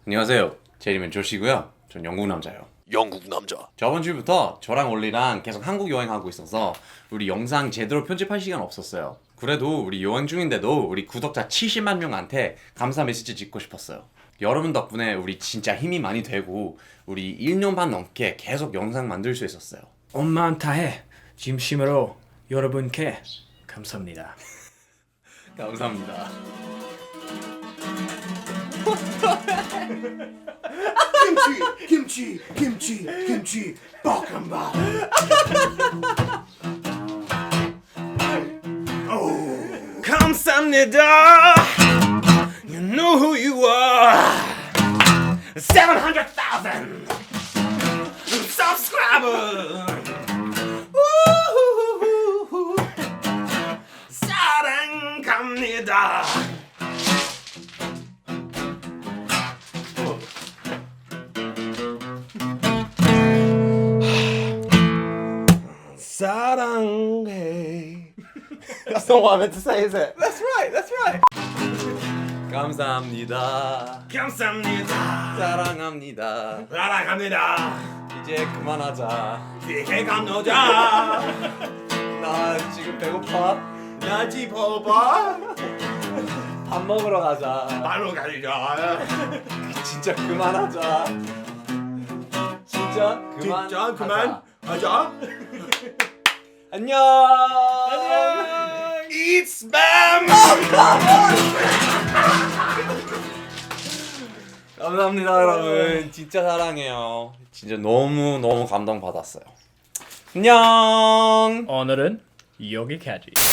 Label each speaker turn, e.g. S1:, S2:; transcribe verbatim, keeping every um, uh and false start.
S1: 안녕하세요. 제 이름은 조시고요. 전 영국 남자예요.
S2: 영국 남자.
S1: 저번 주부터 저랑 올리랑 계속 한국 여행하고 있어서 우리 영상 제대로 편집할 시간 없었어요. 그래도 우리 여행 중인데도 우리 구독자 칠십만 명한테 감사 메시지 짓고 싶었어요. 여러분 덕분에 우리 진짜 힘이 많이 되고 우리 일 년 반 넘게 계속 영상 만들 수 있었어요.
S3: 엄마한테 진심으로 여러분께 감사합니다.
S1: 감사합니다.
S2: 김치, 김치, 김치, 김치, 볶음밥.
S3: 감사합니다. You know who you are. seven hundred thousand subscribers. 우후후후후. 사랑합니다. 사랑해.
S1: That's not what I meant to say, is it? That's right, that's right. 감사합니다.
S3: 감사합니다.
S1: 사랑합니다.
S3: 사랑합니다.
S1: 이제 그만하자.
S3: 이게 감노자.
S1: 나 지금 배고파.
S3: 나 집어봐.
S1: 밥 먹으러 가자.
S3: 바로 가자.
S1: 진짜 그만하자. 진짜 그만.
S3: 진짜 그만 하자.
S1: 안녕.
S3: 안녕. It's spam.
S1: 감사합니다, 여러분. 진짜 사랑해요. 진짜 너무 너무 감동 받았어요. 안녕.
S3: 오늘은 여기까지.